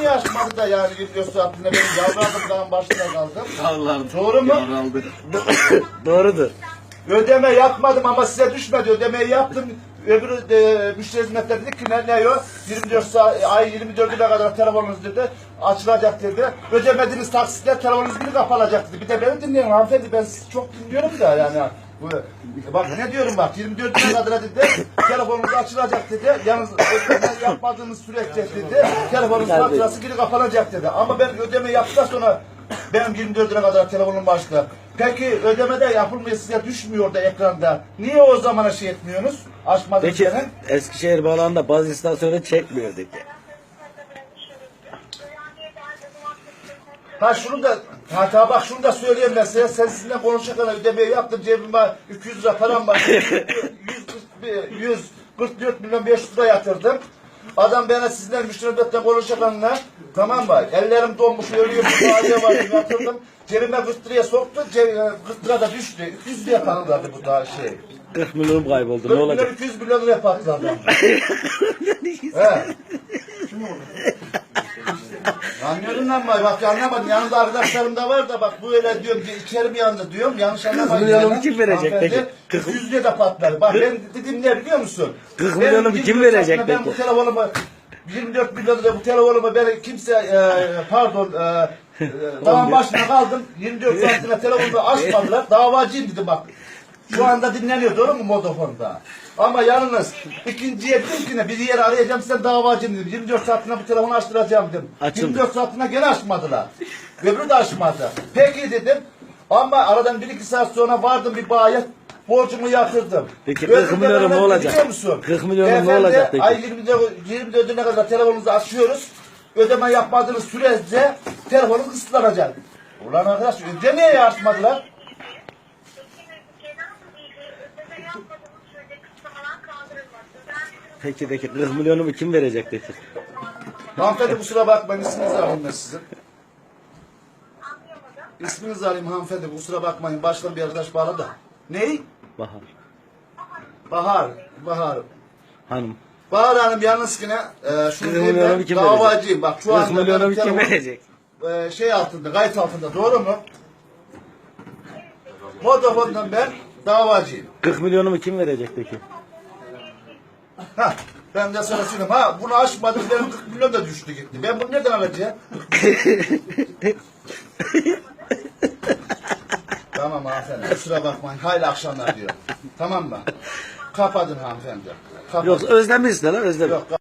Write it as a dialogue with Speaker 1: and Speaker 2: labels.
Speaker 1: niye açmadı da yani video saatinde benim yavradımdan başına kaldım.
Speaker 2: Allah'ım.
Speaker 1: Doğru mu?
Speaker 2: Doğrudur.
Speaker 1: Ödeme yapmadım ama size düşmedi. Ödemeyi yaptım. Öbürü müşteri hizmetleri dedi ki ne o? 24 saat, ay 24'üne kadar telefonunuz dedi. Açılacak dedi. Ödemediğiniz taksitler telefonunuz biri kapanacak dedi. Bir de beni dinleyin hanımefendi. Ben sizi çok dinliyorum da yani. Bak ne diyorum bak 24'üne kadar dedi. Telefonunuz açılacak dedi. Yalnız ödeme yapmadığınız süreçte dedi. Telefonunuz faturası biri kapanacak dedi. Ama ben ödeme yaptıktan sonra benim 24'üne kadar telefonum başladı. Peki ödemede yapılmıyor size düşmüyor da ekranda. Niye o zamana şey etmiyorsunuz? Açmadınız
Speaker 2: Peki
Speaker 1: gene.
Speaker 2: Eskişehir bağlamında bazı istasyonu çekmiyor dedi.
Speaker 1: Ha şunu da bak şunu da söyleyeyim ben size. Sen sizinle konuşurken ödemeyi yaptım. Cebime 200 lira param var. 144 milyon 500 lira yatırdım. Adam bana sizinle müşterilerle konuşurken tamam mı? Ellerim donmuş ölüyor. Bir aile var yatırdım. Cebime 40 liraya soktu. 40 lira da düştü. 200 liraya patladı bu da şey.
Speaker 2: 40 milyon kayboldu.
Speaker 1: 40
Speaker 2: Ne olacak?
Speaker 1: 200 milyon liraya patladı. He. Anlıyorum lan bak anlamadım. Yanında arkadaşlarım da var da bak bu öyle diyorum ki içerim yanında diyorum. Yanlış anlamayın.
Speaker 2: 40 milyonu kim verecek peki?
Speaker 1: 200 liraya da patlar. Bak ben dedim ne biliyor musun?
Speaker 2: 40 milyonu kim verecek
Speaker 1: ben
Speaker 2: peki?
Speaker 1: bu telefonumu 24 milyon lira bu telefonumu ben kimse tamam başına kaldım. 24 saatine telefonumu açmadılar. Davacıyım dedim bak. Şu anda dinleniyor doğru mu motofonda? Ama yalnız ikinciye dedim ki ne bir yere arayacağım sen davacıyım dedim. 24 saatine bu telefonu açtıracağım dedim.
Speaker 2: Açıldı.
Speaker 1: 24 saatine gene açmadılar. Öbürü de açmadı. Peki dedim. Ama aradan 1-2 saat sonra vardım bir bayiye borcumu yatırdım.
Speaker 2: Peki 40 milyonu ne olacak?
Speaker 1: Biliyor musun?
Speaker 2: 40 milyonu ne olacak peki?
Speaker 1: Ay 24'üne kadar telefonunuzu açıyoruz. Ödeme yapmadığınız sürece telefonunuz kısıtlanacak. Ulan arkadaş ödemeye açmadılar.
Speaker 2: Peki 40 milyonu kim verecek peki?
Speaker 1: Hanımefendi kusura bakmayın isminizi alayım ben sizin. İsminizi alayım hanımefendi kusura bakmayın baştan bir arkadaş bağlı da. Ney?
Speaker 2: Bahar.
Speaker 1: Bahar.
Speaker 2: Hanım.
Speaker 1: Bahar Hanım yalnız yine şunu
Speaker 2: 40
Speaker 1: diyeyim
Speaker 2: milyonu
Speaker 1: ben
Speaker 2: kim
Speaker 1: davacıyım. Bak şu
Speaker 2: 40
Speaker 1: anda
Speaker 2: milyonu
Speaker 1: benim
Speaker 2: kim
Speaker 1: telefon
Speaker 2: verecek?
Speaker 1: şey altında kayıt altında doğru mu? Vodafone'dan ben davacıyım.
Speaker 2: 40 milyonu kim verecek peki?
Speaker 1: Hah, ben de sana söyleyeyim. Ha bunu açmadım benim 40 milyon da düştü gitti. Ben bunu nereden alacağım? Tamam hanımefendi kusura bakmayın. Hayırlı akşamlar diyor. Tamam mı? Kapatın hanımefendi. Kapatın.
Speaker 2: Yok özlemişsin lan özlemiş.
Speaker 1: Yok.